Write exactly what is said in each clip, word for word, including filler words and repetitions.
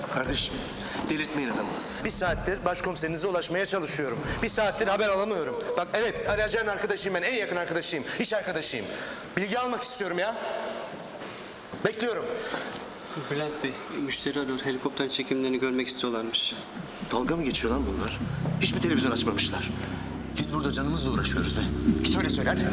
Kardeşim, delirtmeyin adamı. Bir saattir başkomiserinize ulaşmaya çalışıyorum. Bir saattir haber alamıyorum. Bak evet, arayacağın arkadaşıyım ben, en yakın arkadaşıyım, iş arkadaşıyım. Bilgi almak istiyorum ya. Bekliyorum. Bülent Bey, müşteri arıyor. Helikopter çekimlerini görmek istiyorlarmış. Dalga mı geçiyor lan bunlar? Hiç mi televizyon açmamışlar? Biz burada canımızla uğraşıyoruz be. Git öyle söyle hadi.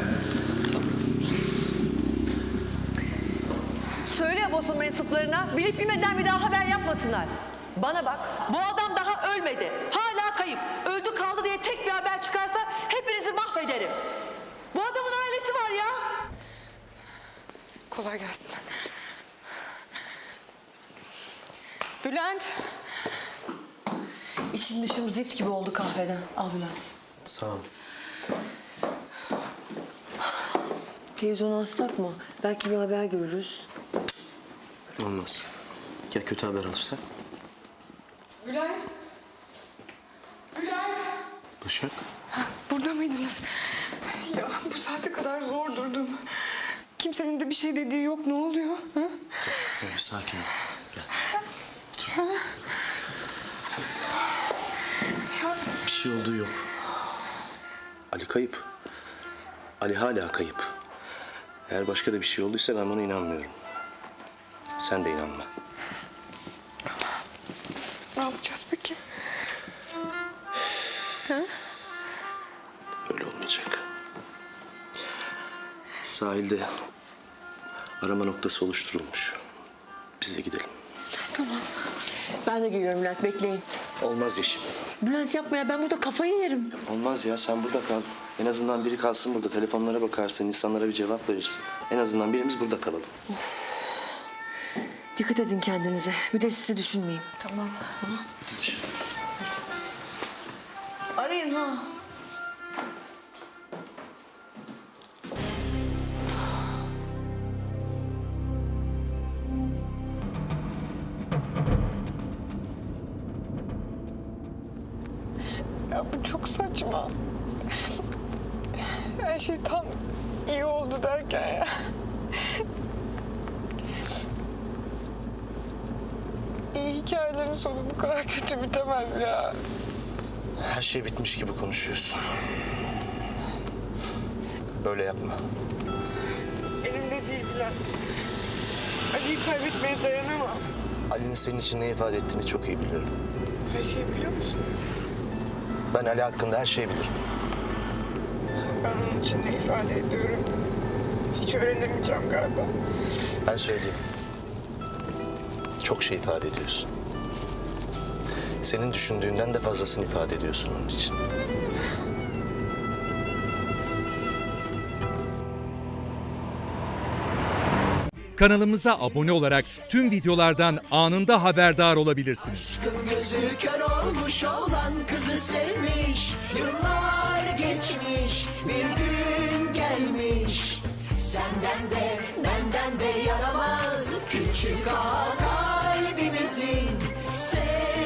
Söyle ya basın mensuplarına, bilip bilmeden bir daha haber yapmasınlar. Bana bak, bu adam daha ölmedi. Hala kayıp. Öldü kaldı diye tek bir haber çıkarsa hepinizi mahvederim. Bu adamın ailesi var ya. Kolay gelsin. Bülent. İçim dışım zift gibi oldu kahveden. Al Bülent. Sağ ol. Televizyonu açsak mı? Belki bir haber görürüz. Olmaz. Ya kötü haber alırsak? Bülent. Bülent. Başak. Burada mıydınız? Ya bu saate kadar zor durdum. Kimsenin de bir şey dediği yok. Ne oluyor? Ha? Dur, bir sakin ol. Gel. Otur. Ya, Bir şey olduğu yok. Ali kayıp. Ali hala kayıp. Eğer başka da bir şey olduysa ben buna inanmıyorum. Sen de inanma. ne yapacağız peki? Ha? Öyle olmayacak. Sahilde arama noktası oluşturulmuş. Biz de gidelim. Tamam. Ben de geliyorum Bülent, bekleyin. Olmaz Yeşim. Bülent yapma ya, ben burada kafayı yerim. Olmaz ya, sen burada kal. En azından biri kalsın burada. Telefonlara bakarsın, insanlara bir cevap verirsin. En azından birimiz burada kalalım. Dikkat edin kendinize. Bir de sizi düşünmeyin. Tamam. Tamam. Arayın ha. Ya bu çok saçma. Her şey tam iyi oldu derken ya. İyi hikayelerin sonu bu kadar kötü bitemez ya. Her şey bitmiş gibi konuşuyorsun. Böyle yapma. Elimde değil Bülent. Ali'yi kaybetmeye dayanamam. Ali'nin senin için ne ifade ettiğini çok iyi biliyorum. Her şeyi biliyor musun? Ben Ali hakkında her şeyi bilirim. Ben onun için ne ifade ediyorum? Hiç öğrenemeyeceğim galiba. Ben söyleyeyim. Çok şey ifade ediyorsun. Senin düşündüğünden de fazlasını ifade ediyorsun onun için. Kanalımıza abone olarak tüm videolardan anında haberdar olabilirsiniz. Aşkın gözü kör olmuş olan kızı sevmiş. Yıllar geçmiş, bir gün gelmiş. Senden de benden de yaramaz küçük ağa kalbimizin. Sev